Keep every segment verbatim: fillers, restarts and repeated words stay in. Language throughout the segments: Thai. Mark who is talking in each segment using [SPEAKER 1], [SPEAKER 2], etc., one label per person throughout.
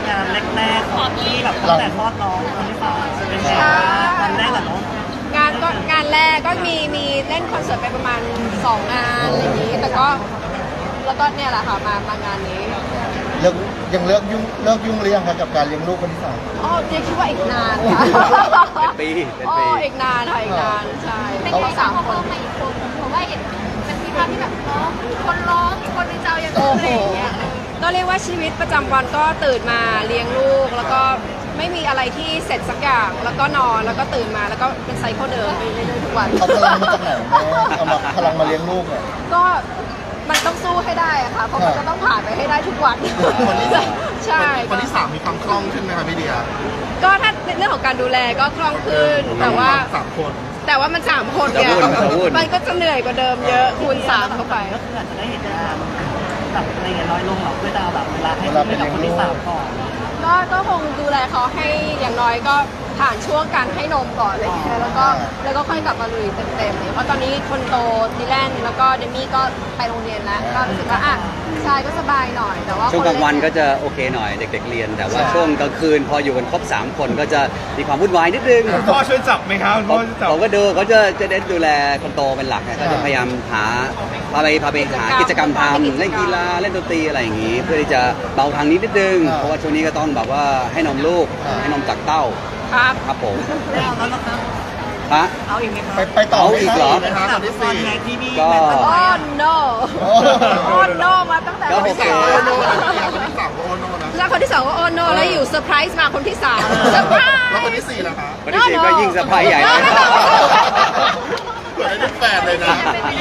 [SPEAKER 1] งานแรกๆของที่แบบตั้งแต่คลอดน้องคนที่สองเป็นไงบ้างวันแรกกับน้อง
[SPEAKER 2] งานก็งานแรกก็มีมีเล่นคอนเสิร์ตไปประมาณสองงานอะไรอย่างนี้แต่ก็แล้วก็เนี่ยแหละค่ะมามางานนี้
[SPEAKER 3] เลิกยังเลิกยุ่งเลิกยุ่งหรือยังคะกับการเลี้ยงลูกคนที่สอง
[SPEAKER 2] อ๋อเจ๊คิดว่าอีกนานค่ะ
[SPEAKER 4] เป็นปีเป็น
[SPEAKER 2] อ๋อ
[SPEAKER 4] ปี
[SPEAKER 2] อีกนานค่ะอีกนานใช่
[SPEAKER 5] เป็นไงสามคนมาอีกคนเพราะว่าเห็นมันมีภาพที่แบบร้องคนร้องคนในเจ้ายังอะไรอย่างเงี้ย
[SPEAKER 2] ก็เรียกว่าชีวิตประจำวันก็ตื่นมาเลี้ยงลูกแล้วก็ไม่มีอะไรที่เสร็จสักอย่างแล้วก็นอนแล้วก็ตื่นมาแล้วก็เป็นไซเคิลเดิมไปเรื่อยๆทุกวัน
[SPEAKER 3] เอาพลังมาจากไหนแม่เอามาพลังมาเลี้ยงลูกอ่ะ
[SPEAKER 2] ก็มันต้องสู้ให้ได้อะค่ะเพราะมันจะต้องผ่านไปให้ได้ทุกวัน
[SPEAKER 3] คนที่สาม
[SPEAKER 2] ใช่
[SPEAKER 3] คนที่สามมีความคล่องขึ้นไหมคะพี่เดีย
[SPEAKER 2] ก็ถ้าเรื่องของการดูแลก็คล่องขึ้นแต่ว่า
[SPEAKER 3] สามคน
[SPEAKER 2] แต่ว่ามันสามคนเนี่ยมันก็จะเหนื่อยกว่าเดิมเยอะคูณสามเข้าไป
[SPEAKER 1] ก็คืออาจจะได้เห็นงานแบบอะไรเงี้ยน้อยลงหรอกเพื่อจะแบบเวลาให้ให้กับคนที่สามก่อน
[SPEAKER 2] ก็ก็คงดูแลเขาให้อย่างน้อยก็ผ่านช่วงการให้นมก่อนเลยแล้วก็แล้วก็ค่อยกลับมาลุยเต็มๆเลยเพราะตอนนี้คนโตดิแลนแล้วก็เดมี่ก็ไปโรงเรียนแล้วก็รู้สึกว่าอ่ะชายก็สบายหน่อยแต่ว่า
[SPEAKER 4] ช่วงกลางวันก็จะโอเคหน่อยเด็กๆเรียนแต่ว่าช่วงกลางคืนพออยู่กันครบสามคนก็จะมีความวุ่นวายนิดนึง
[SPEAKER 3] พ่อช่วยจับไหมครับพ่อจับ
[SPEAKER 4] ผมก็ดูเขาจะจะเน้นดูแลคนโตเป็นหลักก็จะพยายามหาพาไปพาไปหากิจกรรมทำเล่นกีฬาเล่นดนตรีอะไรอย่างนี้เพื่อที่จะเบาทางนี้นิดนึงเพราะว่าช่วงนี้ก็ต้องแบบว่าให้นมลูกให้นมจากเต้า
[SPEAKER 2] ครับ
[SPEAKER 4] ครับผม
[SPEAKER 1] เอาแล้วนะครับ
[SPEAKER 4] ฮะ
[SPEAKER 1] เอาอีกไหมครับ
[SPEAKER 3] ไปไปต่อ
[SPEAKER 4] อีกเหรอ
[SPEAKER 1] นะครับคนที่สี่ที่นี่
[SPEAKER 4] ก็
[SPEAKER 2] โอ้ no โอ้ no มาตั้งแต่
[SPEAKER 4] คนที่สาม
[SPEAKER 3] โอโน่คนที่สามก็โอโน่นะ
[SPEAKER 2] แล้วคนที่สองก็โอโน่แล้วอยู่เซอร์ไพรส์มาคนที่สามเซอร์ไพรส์
[SPEAKER 3] แล้วคนที่สี่ล่ะคะ
[SPEAKER 4] คนที่สี่ก็ยิ่งเซอร์ไพรส์ใหญ่เลย
[SPEAKER 3] เปิดได้แฟนเลยนะ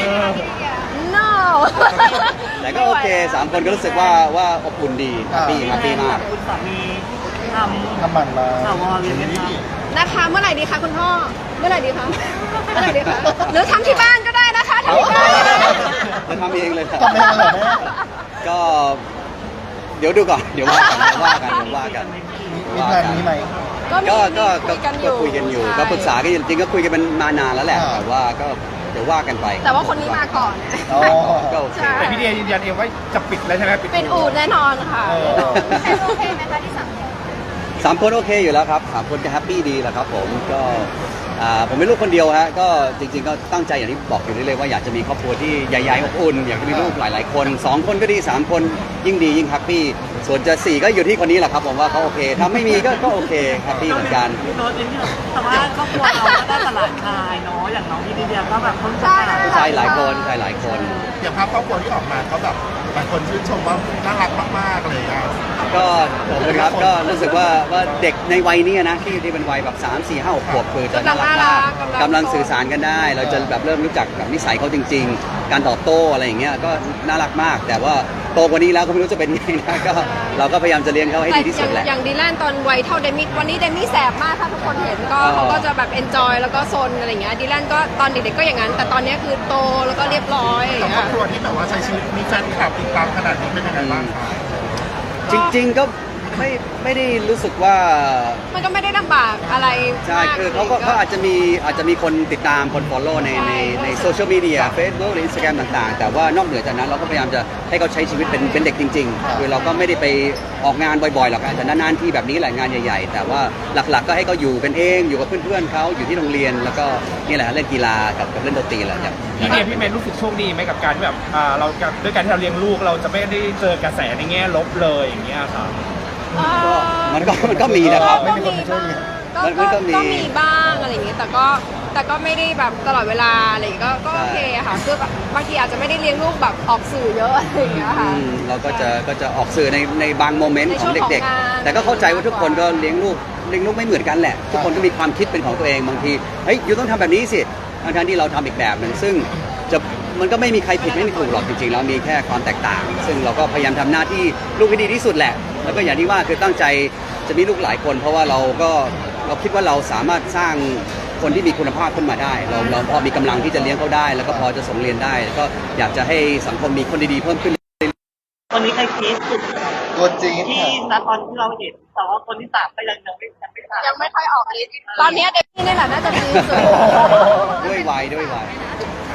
[SPEAKER 2] no
[SPEAKER 4] แต่ก็โอเคสามคนก็รู้สึกว่าว่าอบอุ่นดีแฮปปี้แฮปปี้มาก
[SPEAKER 1] คุณสามีทำ
[SPEAKER 3] ทำมันมา
[SPEAKER 1] ข่าววอลเลยไหมครับ
[SPEAKER 2] นะคะเมื่อไหร่ดีคะคุณพ่อเมื่อไหร่ดีคะเมื่อไหร่ดีคะหรือทำที่บ้านก็ได้นะคะทำที่บ้าน
[SPEAKER 4] จะทำเองเลย
[SPEAKER 3] ทำเองเลยแม่
[SPEAKER 4] ก็เดี๋ยวดูก่อนเดี๋ยวว่ากันเดี๋ยวว่ากันเดี๋ยวว่ากัน
[SPEAKER 3] มีแพลนนี้ไหม
[SPEAKER 2] ก็
[SPEAKER 4] ก็ก็ก็คุยกันอยู่ก็ปรึกษากันจริงๆก็คุยกันมันมานานแล้วแหละแต่ว่าก็เดี๋ยวว่ากันไป
[SPEAKER 2] แต่ว่าคนนี้มาก่อน
[SPEAKER 4] ก็โอเค
[SPEAKER 3] แต่พี่เดียยืนยันเองว่าจะปิดแล้วใช่ไหม
[SPEAKER 2] ปิดอู่แน่นอนค่ะ
[SPEAKER 5] โอเคไหมคะที่สาม
[SPEAKER 4] สามคนโอเคอยู่แล้วครับสามคนก็แฮปปี้ดีแหละครับผมก็ผมเป็นลูกคนเดียวฮะก็จริงๆก็ตั้งใจอย่างที่บอกอยู่เรื่อยๆว่าอยากจะมีครอบครัวที่ใหญ่ๆอบอุ่นอยากจะมีลูกหลายๆคนสองคนก็ดีสามคนยิ่งดียิ่งแฮปปี้ส่วนจะสี่ก็อยู่ที่คนนี้แหละครับผมว่าเขาโอเคถ้าไม่มีก็ก็โอเคแฮปปี้เหมือนกัน
[SPEAKER 1] แต่ว่าครอบครัวเราก็ได้ตลาดคายเนาะอย่างน้องพี่ดิเดียก็แบบคน
[SPEAKER 4] ใช่หลายคนใช่หลายคน
[SPEAKER 3] อย่างภาพครอบครัวที่ออกมาเขาแบบบางคนชื่นชมว่าน่ารักมากๆเลยอ่ะ
[SPEAKER 4] ก็ขอบคุณครับก็รู้สึกว่าว่าเด็กในวัยนี้นะที่ที่เป็นวัยแบบสามสี่ห้าหกขวบคือจะน่ารักมากกำลังสื่อสารกันได้เราจะแบบเริ่มรู้จักแบบนิสัยเขาจริงๆการตอบโต้อะไรอย่างเงี้ยก็น่ารักมากแต่ว่าโตกว่านี้แล้วก็ไม่รู้จะเป็นยังไงนะก็เราก็พยายามจะเลี้ยงเขาให้ดีที่สุดแหละ
[SPEAKER 2] อย่างดีแลนตอนวัยเท่าเดมี่วันนี้เดมี่แสบมากถ้าทุกคนเห็นก็เขาก็จะแบบเอนจอยแล้วก็ซนอะไรอย่างเงี้ยดีแลนก็ตอนเด็กๆก็อย่างนั้นแต่ตอนนี้คือโตแล้วก็เรียบร้อย
[SPEAKER 3] กับครอบครัวที่แบบว่าใช้ชีวิตมีแฟนคลับติดตามขนาดนี้เป็นยังไงบ้างคะ
[SPEAKER 4] จริงๆก็ไม่ไม่ได้รู้สึกว่า
[SPEAKER 2] มันก็ไม่ได้ลำบากอะไร
[SPEAKER 4] ใช่คือเขาก็เขาอาจจะมีอาจจะมีคนติดตามคน follow ในในในโซเชียลมีเดีย Facebook หรือ Instagram ต่างๆแต่ว่านอกเหนือจากนั้นเราก็พยายามจะให้เขาใช้ชีวิตเป็นเป็นเด็กจริงๆคือเราก็ไม่ได้ไปออกงานบ่อยๆหรอกอาจจะนานๆที่แบบนี้แหละงานใหญ่ๆแต่ว่าหลักๆก็ให้เขาอยู่เป็นเองอยู่กับเพื่อนๆเขาอยู่ที่โรงเรียนแล้วก็นี่แหละเล่นกีฬากับกับเล่นดนตรีแหละครับ
[SPEAKER 6] พี่เดียพี่เมย์รู้สึกโชคดีไหมกับการที่แบบเราด้วยการที่เราเลี้ยงลูกเราจะไม่ได้เจอกระแสในแง่ลบเลยอย่างเงี้ยครับ
[SPEAKER 4] มันก็มันก็มีนะครับ
[SPEAKER 2] ก็มีบ้างก็มีบ้างอะไรอย่างเงี้ยแต่ก็แต่ก็ไม่ได้แบบตลอดเวลาอะไรก็ก็โอเคค่ะคือบางทีอาจจะไม่ได้เลี้ยงลูกแบบออกสื่อเยอะอะไรอย่างเงี้ยค่ะ
[SPEAKER 4] เราก็จะก็จะออกสื่อในในบางโมเมนต์ของเด็กๆแต่ก็เข้าใจว่าทุกคนก็เลี้ยงลูกเลี้ยงลูกไม่เหมือนกันแหละทุกคนก็มีความคิดเป็นของตัวเองบางทีเฮ้ยยูต้องทำแบบนี้สิทั้งที่เราทำอีกแบบหนึ่งซึ่งจะมันก็ไม่มีใครผิดไม่มีถูกหรอกจริงๆแล้วมีแค่ความแตกต่างซึ่งเราก็พยายามทำหน้าที่ลูกให้ดีที่สุดแหละแล้วก็อย่างที่ว่าคือตั้งใจจะมีลูกหลายคนเพราะว่าเราก็เราคิดว่าเราสามารถสร้างคนที่มีคุณภาพขึ้นมาได้เราเราพอมีกำลังที่จะเลี้ยงเขาได้แล้วก็พอจะส่งเรียนได้ก็อยากจะให้สังคมมีคนดีๆเพิ่มขึ้น
[SPEAKER 1] ตอนนี้ใครคิดสุด
[SPEAKER 3] ตัวจริง
[SPEAKER 1] ที่ณตอนที่เราเห็นแต่ว่าคนที่สามก็ยังยังไม่ยังไม่ผ่าน
[SPEAKER 2] ยังไม่ค่อยออกฤทธิ์ตอนนี้เด็กนี่แหละน่าจะดีสุด
[SPEAKER 4] ด้วยวัยด้วยวัย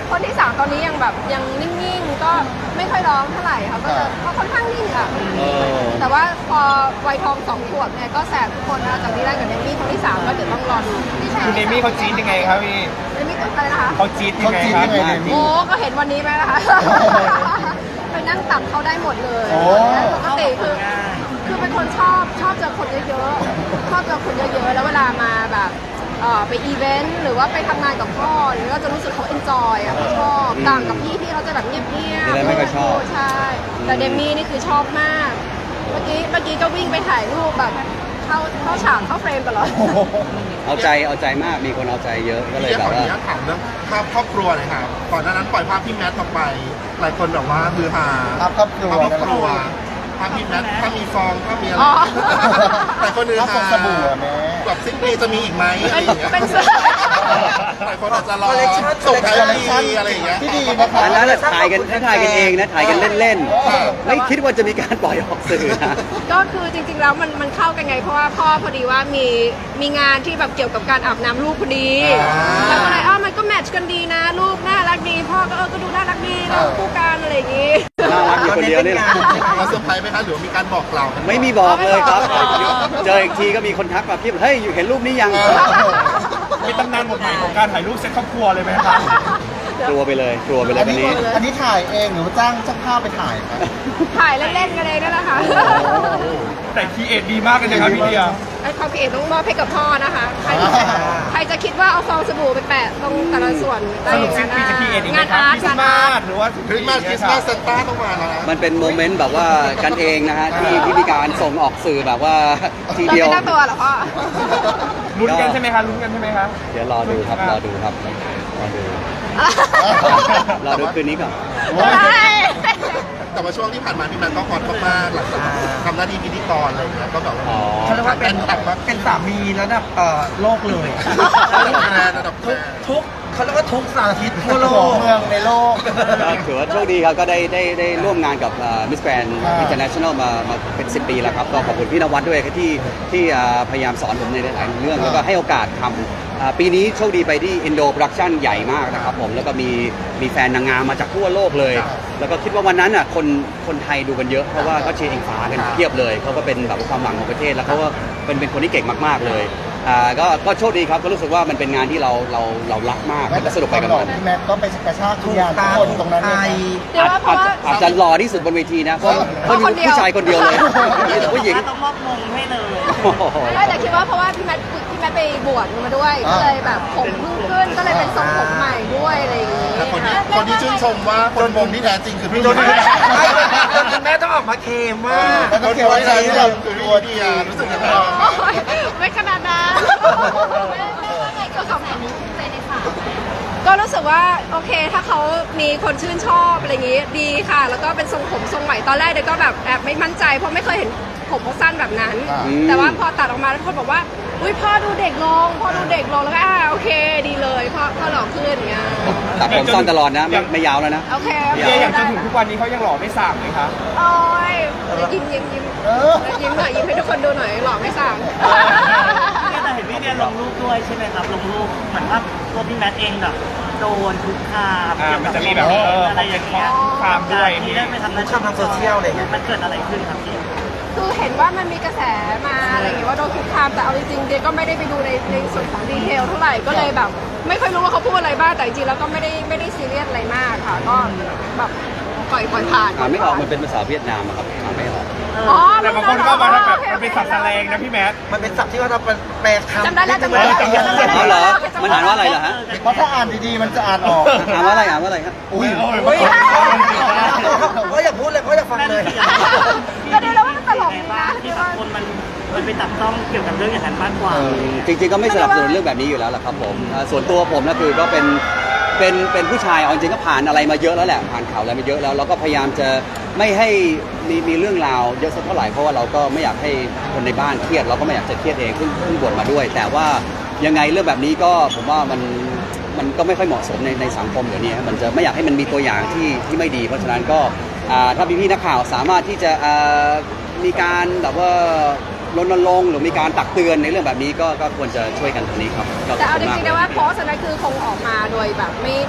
[SPEAKER 2] คนที่สามตอนนี้ยังแบบยังนิ่งๆก็ไม่ค่อยร้องเท่าไหร่ค่ะก็จะก็ค่อนข้างนิ่งค่ะ
[SPEAKER 4] เออ
[SPEAKER 2] แต่ว่าพอวัยทองสองขวบเนี่ยก็แสบทุกคนนะจากที่แรกกับเดมี่คนที่สามก็เดี๋ยวต้องรอดู
[SPEAKER 6] คุณเดมี่เขาจี๊ดยังไงครับพี่
[SPEAKER 2] เดมี่ตัวอะไรนะคะ
[SPEAKER 6] เขาจี๊ดยังไงครับ
[SPEAKER 3] เขาจี๊ดยังไง
[SPEAKER 2] โอ้ก็เห็นวันนี้ไหมล่ะคะ ไปนั่งตักเขาได้หมดเลย
[SPEAKER 3] โอ้
[SPEAKER 2] ปกติคือคือเป็นคนชอบชอบเจอคนเยอะๆชอบเจอคนเยอะๆแล้วเวลามาแบบเอ่อไปอีเวนต์หรือว่าไปทำงานกับพ่อหรือว่าจะรู้สึกเขาเอนจอยอ่ะเขาชอบต่างกับพี่ที่เขาจะแบบเงียบๆ
[SPEAKER 4] นี่แหละไม่ค่อยชอบ
[SPEAKER 2] ใช่แต่เดมี่นี่คือชอบมาก เมื่อกี้เมื่อกี้ก็วิ่งไปถ่ายรูปแบบเข้าเข้าฉากเข้าเฟรมตลอด
[SPEAKER 4] เอาใจเอาใจมากมีคนเอาใจเยอะก็เลย
[SPEAKER 3] พี่
[SPEAKER 4] แบ
[SPEAKER 3] ขอบ อ
[SPEAKER 4] ว่า
[SPEAKER 3] นุญาตถามเรื่องภาพครอบครัวหน่อยครับก่อนหน้านั้นปล่อยภาพพี่แมทออกไป หลายคนแบบว่าฮือฮา
[SPEAKER 7] ภาพครอบครัว
[SPEAKER 3] ภาพครอบครัวภาพพี่แมทถ้ามีฟองถ้ามีอะไร
[SPEAKER 2] อ๋อ
[SPEAKER 3] หลายคนฮือ
[SPEAKER 7] ภาพ
[SPEAKER 3] ฮา
[SPEAKER 7] ฟองสบู่อะแม่
[SPEAKER 3] แบบสิ้นปีจะมีอีกไหมอะไรอย่างเงี้ย
[SPEAKER 2] เป็นเสื้อ
[SPEAKER 3] หลายคนอาจจะรอส่งท้ายปีอะไรอย่างเงี้ย
[SPEAKER 7] ที่ดีนะคะ
[SPEAKER 4] อันนั้นน่ะถ่ายกันถ่ายกันเองนะถ่ายกันเล่น
[SPEAKER 3] อ่า
[SPEAKER 4] ๆ ไม่คิดว่าจะมีการปล่อยออกสื่อนะ
[SPEAKER 2] ก็คือจริงๆแล้วมันมันเข้ากันไงเพราะว่าพ่อพอดีว่ามีมีงานที่แบบเกี่ยวกับการอาบน้ำลูกพอดี แล้วก็เลยอ้าวมันก็แมทช์กันดีนะ ลูกน่ารักดี พ่อก็เออก็ดูน่ารักดีเราคู่กันอะไรอย่างงี้
[SPEAKER 4] น่ารักอยู่คนเดียวนี่แหละ
[SPEAKER 3] เราเซอร์ไพรส์ไหมคะหรือว่ามีการบอกกล่าวกัน
[SPEAKER 4] ไม่มีบอกเลยครับ
[SPEAKER 2] ไม่บอก
[SPEAKER 4] เจออีกทีก็มีคนทักมาพี่เฮ้ยอยู่เห็นรูปนี้ยัง
[SPEAKER 6] มีตำนานบทใหม่ของการถ่ายรูปเซ็ตครอบครัวเลยไหมครับ
[SPEAKER 4] กลัวไปเลยกลัวไปเล
[SPEAKER 7] อั
[SPEAKER 4] ย
[SPEAKER 7] น
[SPEAKER 4] วัน
[SPEAKER 7] นี้
[SPEAKER 4] นี้
[SPEAKER 7] อันนี้ถ่ายเองหรือว่าจ้างช่างภาพไปถ่ายครับ
[SPEAKER 2] ถ่ายเล่นๆกันเลยนั่นแหละค่ะ
[SPEAKER 6] แต่คีเอทดีมากเลยนะครับพี่เดีย
[SPEAKER 2] ไอ้ความคิดเห็นต้องมอบให้กับพ่อนะคะ ใครจะใครจะคิดว่าเอาฟองสบู่ไปแปะตรงแต่ละส่วนได้
[SPEAKER 6] ส
[SPEAKER 2] อ
[SPEAKER 6] รุป
[SPEAKER 2] ย่าง
[SPEAKER 6] สิ้น
[SPEAKER 2] นั้น
[SPEAKER 6] ปีจะคีเอทอีกไหม
[SPEAKER 2] งาน
[SPEAKER 6] ครับ
[SPEAKER 2] อาร์ต
[SPEAKER 6] คริส
[SPEAKER 2] งาน
[SPEAKER 6] ต์มา
[SPEAKER 2] อาร์ต
[SPEAKER 6] สหรือว่า
[SPEAKER 3] คริสต์มาสคริสต์มาสเซนต้าต้องมาแล้วนะ
[SPEAKER 4] มันเป็นโมเมนต์แบบว่ากันเองนะฮะที่ที่มีการส่งออกสื่อแบบว่าที
[SPEAKER 2] เรา
[SPEAKER 4] เดียว
[SPEAKER 2] ไม่ตั้งตัวเหรอพ่อ
[SPEAKER 6] ลุ้นกันใช่ไหมคะลุ้นกันใช่ไหมคะ
[SPEAKER 4] เดี๋ยวรอดูครับรอดูครับรอดูรอดูคืนนี้ก่อน
[SPEAKER 3] แต่ว่าช่วงที่ผ่านมาพี่แมทก็ฮอตมากๆหลังจากทำหน้าที่พิธีกรอะไรอย่างเงี้ยก็แบบว่า
[SPEAKER 4] อ๋อ
[SPEAKER 8] เขาเรียกว่าเป็น
[SPEAKER 3] แบบว่า
[SPEAKER 8] เป็นสามีระดับเอ่อโลกเลย
[SPEAKER 3] ระดับแฟนระดับแฟ
[SPEAKER 8] ทุก
[SPEAKER 3] น
[SPEAKER 8] ทุกเขาเรียกว่าทุกสารทิศทั่วโล
[SPEAKER 7] หัว
[SPEAKER 8] ก
[SPEAKER 7] เมืองในโลก
[SPEAKER 4] ก็ถือว่าโชคดีครับก็ได้ได้ได้ร่วมงานกับมิสแกรนด์
[SPEAKER 7] อ่า
[SPEAKER 4] อินเตอร์เนชั่นแนลมามาเป็นสิบปีแล้วครับก็ขอบคุณพี่นวัดด้วยที่ที่อ่าพยายามสอนผมในหลายๆเรื่องแล้วก็ให้โอกาสทำอ่าปีนี้โชคดีไปที่อินโดโปรดักชั่นใหญ่มากนะครับผมแล้วก็มีมีแฟนนางงามมาจากทั่วโลกเลย แล้วก็คิดว่าวันนั้นอ่ะคนคนไทยดูกันเยอะเพราะว่าเขาเชียร์อิงฟ้ากันเพียบเลยเขาก็เป็นแบบความหวังของประเทศแล้วเขาก็เป็นเป็นคนที่เก่งมากๆเลยอ่าก็ก็โชคดีครับก็รู้สึกว่ามันเป็นงานที่เราเราเรารักมากแล้วก็สนุกไปกับ
[SPEAKER 7] หล่อ
[SPEAKER 4] มัน
[SPEAKER 7] พี่แมทก็ไปกระชากทุ
[SPEAKER 8] ถู
[SPEAKER 7] ก
[SPEAKER 8] ก
[SPEAKER 7] อย่างทุ
[SPEAKER 8] ตาก
[SPEAKER 7] คน
[SPEAKER 8] ถูก
[SPEAKER 7] ตรงนั้น
[SPEAKER 8] ใจ
[SPEAKER 7] เนี่ย
[SPEAKER 2] เดี๋ยวว่าเพ
[SPEAKER 4] อา
[SPEAKER 2] ราะ
[SPEAKER 4] จ
[SPEAKER 2] ว่า
[SPEAKER 4] อาจจะหล่อที่สุดบนเวทีนะเพราะเพราะมีผู้ชายคนเดียวเลยมีแต่ผู้หญิง
[SPEAKER 1] ต้องมอบมงให้เลย
[SPEAKER 4] โอ้โห
[SPEAKER 2] ไม่แต่คิดว่าเพราะว่าพี่แมทพี่แมทไปบวชมาด้วยก็เลยแบบผมเพิ่งขึ้นก็เลยเป็นทรงผมใหม่ด้วยอะไรอย่างงี้
[SPEAKER 3] แต่คนที่คนที่ชื่นชมว่าคนมงที่แท้จริงคือพี่
[SPEAKER 8] โดน
[SPEAKER 3] ดี
[SPEAKER 8] คุณแม่ต้องออกมาเคลมว่า
[SPEAKER 7] แล้ว
[SPEAKER 3] ค
[SPEAKER 7] ก็
[SPEAKER 3] น
[SPEAKER 7] เกี่ยว
[SPEAKER 3] ที่
[SPEAKER 7] กับ
[SPEAKER 3] แท้จริง
[SPEAKER 7] ที่เรา
[SPEAKER 3] คือพี่
[SPEAKER 7] ตัว
[SPEAKER 3] ดี
[SPEAKER 7] ดี
[SPEAKER 3] อ่ะรู้สึกยังไงบ้าง
[SPEAKER 2] โอ้ยไม่ขนาดนั้น
[SPEAKER 5] แม่แม่ว่าไงกับคำนี้ใจในสาว
[SPEAKER 2] ก็รู้สึกว่าโอเคถ้าเขามีคนชื่นชอบอะไรอย่างงี้ดีค่ะ แล้วก็เป็นทรงผมทรงใหม่ตอนแรกเด็กก็แบบแอบไม่มั่นใจเพราะไม่เคยเห็นผมเขาสั้นแบบนั้น แต่ว่าพอตัดออกมาแล้วทุกคนบอกว่าอุ้ยพ่อดูเด็กลงพ่อดูเด็กลงแล้วก็อ่าโอเคดีเลยพ่อพ่อหล่อขึ้นอย่างเงี้ย
[SPEAKER 4] ตัดผมสั้นตลอดนะไม่ไม่ยาวแล้วนะ
[SPEAKER 2] โอเคโอ
[SPEAKER 6] พี่
[SPEAKER 2] เค
[SPEAKER 6] เดียอย่างจ
[SPEAKER 2] ได้
[SPEAKER 6] นถึงทุกวันนี้เขายังหล่อไม่ส่างเลยครับ
[SPEAKER 2] โอ้ยยิ้มยิ้มยิ้ม
[SPEAKER 7] เออ
[SPEAKER 2] ยิ้มหน่อยยิ้มให้ทุกคนดูหน่อยหล่อไม่สั่ง
[SPEAKER 1] แต่เห็นพี่เดียลงรูปด้วยใช่ไหมครับลงรูปเหมือนว่าตัวพี่แมทเองแบบโดนคุกคาม
[SPEAKER 6] อ่า
[SPEAKER 1] เกี่ยว
[SPEAKER 6] มัน
[SPEAKER 1] กับ
[SPEAKER 6] จะมีแบบเออ
[SPEAKER 1] อะไรอย่างเงี้ย
[SPEAKER 6] คามด้วย
[SPEAKER 1] ที่ได้ไปทำหน้าที่
[SPEAKER 8] คุกคามทางโซเชียลอะไรเงี้ย
[SPEAKER 1] มันเกิดอะไรขึ้นครับพี่
[SPEAKER 2] คือเห็นว่ามันมีกระแสมาอะไรอย่างเงี้ยว่าโดนคุกคามแต่เอาจริงๆเดียก็ไม่ได้ไปดูในในส่วนของดีเทลเท่าไหร่ก็เลยแบบ ไม่ค่อยรู้ว่าเขาพูดอะไรบ้างแต่จริงๆแล้วก็ไม่ได้ไม่ได้ซีเรียสอะไรมากค่ะ ก็แบบปล่อยปล่อยผ่าน
[SPEAKER 4] อ่านไม่ออกมันเป็นภาษาเวียดนามอะครับอ่านไม่ออก
[SPEAKER 2] อ๋อ
[SPEAKER 6] แต่บางคนก็มาแบบมันเป็นสับแสลงนะพี่แมท
[SPEAKER 8] มันเป็นศัพท์ที่ว่าเราแปลคำ
[SPEAKER 2] จำได้แล้วจำได้แล้ว
[SPEAKER 4] เอาเหรอมันอ่านว่าอะไรเหรอฮะ
[SPEAKER 7] เพราะถ้าอ่านดีๆมันจะอ่านออก
[SPEAKER 4] อ่านว่าอะไรอ่านว่าอะไรครับ
[SPEAKER 7] อุ้ย
[SPEAKER 8] อุ้ยเพราะอยากพูดเลยเพราะอยากฟังเลย
[SPEAKER 2] ก็ดูแล้วว่ามันตลกดีนะ
[SPEAKER 1] ที่แบบคนมันมันไปจับต้องเกี่ยวกับเรื่องอย่างนั้นมากกว่า
[SPEAKER 4] จริงๆก็ไม่สนับสนุนเรื่องแบบนี้อยู่แล้วแหละครับผมอ่าส่วนตัวผมนะคือก็เป็นเป็นเป็นผู้ชายเอาจริงๆก็ผ่านอะไรมาเยอะแล้วแหละผ่านข่าวอะไรมาเยอะแล้วเราก็พยายามจะไม่ให้มีมีเรื่องราวเยอะสักเท่าไหร่เพราะว่าเราก็ไม่อยากให้คนในบ้านเครียดเราก็ไม่อยากจะเครียดเองเพิ่งเพิ่งบวชมาด้วย แต่ว่ายังไงเรื่องแบบนี้ก็ผมว่ามันมันก็ไม่ค่อยเหมาะสมในในสังคมเดี๋ยวนี้ครับมันจะไม่อยากให้มันมีตัวอย่างที่ที่ไม่ดี เพราะฉะนั้นก็อ่าถ้าพี่ๆนักข่าวสามารถที่จะอ่ามีการแบบว่ารณรงค์หรือมีการตักเตือนในเรื่องแบบนี้ก็ก็ควรจะช่วยกันตรงนี้ครับก็ข
[SPEAKER 2] แต่
[SPEAKER 4] อบ
[SPEAKER 2] เอา
[SPEAKER 4] คุ
[SPEAKER 2] จ
[SPEAKER 4] ณมาก
[SPEAKER 2] ริงๆนะว่าโพสต์อันนั้นคือคงออกมาโดยแบบไม่ค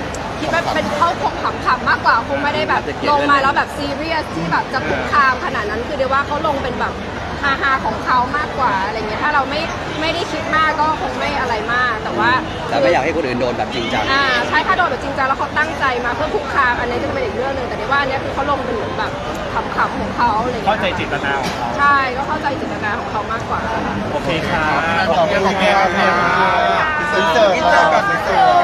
[SPEAKER 2] คิดว่าเป็นเขาคงขำๆมากกว่าคงไม่ได้แบบลงมาแล้วแบบซีเรียสที่แบบจะคุกคามขนาดนั้นคือเดี๋ยวว่าเขาลงเป็นแบบฮาๆของเขามากกว่าอะไรเงี้ยถ้าเราไม่ไม่ได้คิดมากก็คงไม่อะไรมากแต่ว่า
[SPEAKER 4] แต่ไม่อยากให้คนอื่นโดนแบบจริงจัง
[SPEAKER 2] อ่าใช่ถ้าโดนแบบจริงจังแล้วเขาตั้งใจมาเพื่อคุกคามอันนี้จะเป็นอีกเรื่องหนึ่งแต่เดี๋ยวว่าอันนี้คือเขาลงเป็นเหมือนแบบขำๆของเขาอะไรเงี้ย
[SPEAKER 6] เข้าใจเจตนาของเขา
[SPEAKER 2] ใช่ก็เข้าใจเจตนาของเขามากกว่า
[SPEAKER 6] โอเคค่ะ
[SPEAKER 3] ขอบคุณครับ
[SPEAKER 7] อินเสิร์ตก่อนอินเสิร์ต